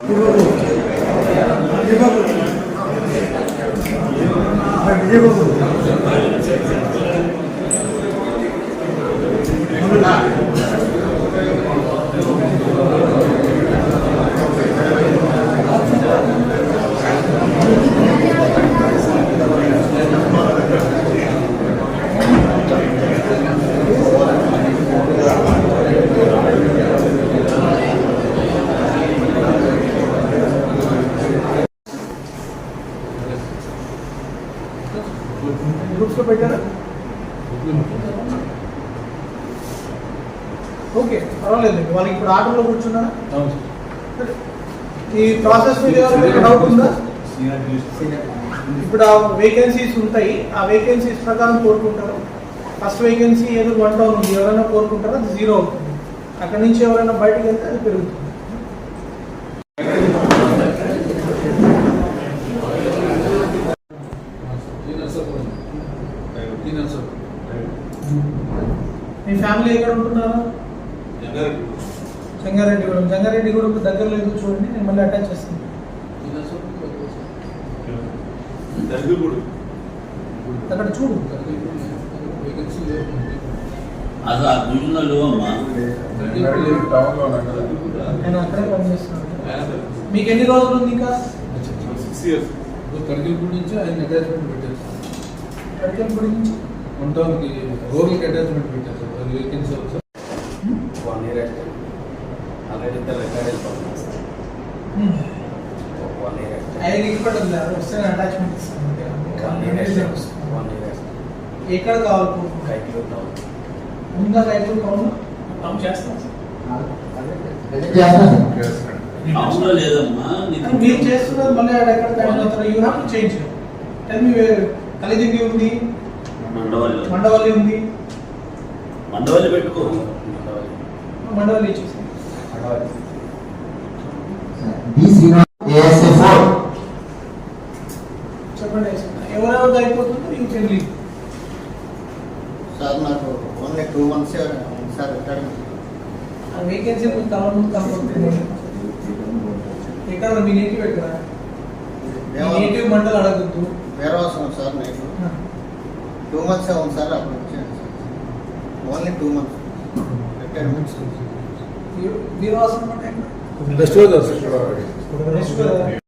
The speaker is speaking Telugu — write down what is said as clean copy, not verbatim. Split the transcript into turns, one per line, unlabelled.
గ్రూప్స్ లో పెట్టారా? ఓకే, పర్వాలేదు. వాళ్ళకి ఇప్పుడు ఆటోలో కూర్చున్నారా? ఈ ప్రాసెస్ మీద ఎవరైనా డౌట్ ఉందా? ఇప్పుడు ఆ వేకెన్సీస్ ఉంటాయి, ఆ వేకెన్సీస్ ప్రకారం కోరుకుంటారు. ఫస్ట్ వేకెన్సీ ఏదో 1 టౌన్ ఉంది, ఎవరైనా కోరుకుంటారో అది 0 అవుతుంది. అక్కడి నుంచి ఎవరైనా బయటకు వెళ్తే అది పెరుగుతుంది. మీ ఫ్యామిలీ ఎక్కడ ఉంటున్నారు? జంగారెడ్డిగూడెం. జంగారెడ్డిగూడెం దగ్గర లేదు, చూడండి, నేను మళ్ళీ అటాచ్ చేస్తాను. అక్కడ చూడు, నేను అక్కడే పనిచేస్తున్నాను. మీకు ఎన్ని రోజులు ఉంది ఇంకా?
6 years. కడిగిపూడి నుంచి ఆయన అటాచ్మెంట్ పెట్టారు.
కడిగిపూడి నుంచి
ఉంటానికి రోడ్లకి అటాచ్మెంట్ పెట్టారు సార్. అది vacancy sir
1 year already record అయిపోతుంది సార్. 1 year
ఐదు ఇప్పటి వస్తే అటాచ్మెంట్ ఇస్తాను. ఎక్కడ కావాలి? ముందా రైతులు కావాలి చేస్తాం మీరు చేస్తున్నారు. మళ్ళీ ఎక్కడ you have to change. Tell me Kalidindi ఉంది, మండవల్లి ఉంది.
మండవల్లి పెట్టుకో.
మండవల్లి ఇచ్చేసి చెప్పండి. ఎవరెవరిది అయిపోతుందో యూ కెన్ లీవ్.
సార్ నాకు ఓన్లీ 2 months సార్ అకాడమీ.
ఆ వేకెన్సీ కంపల్సరీ. ఎక్కడ మీ నేటివ్ ఎక్కడ? నేటివ్ మండల్ అడగద్దు.
వేరే అవసరం సార్ నాకు 2 months అవును సార్. అప్పుడు వచ్చాను సార్. Only 2 months academics.
మీరు అవసరం అంటే
నెక్స్ట్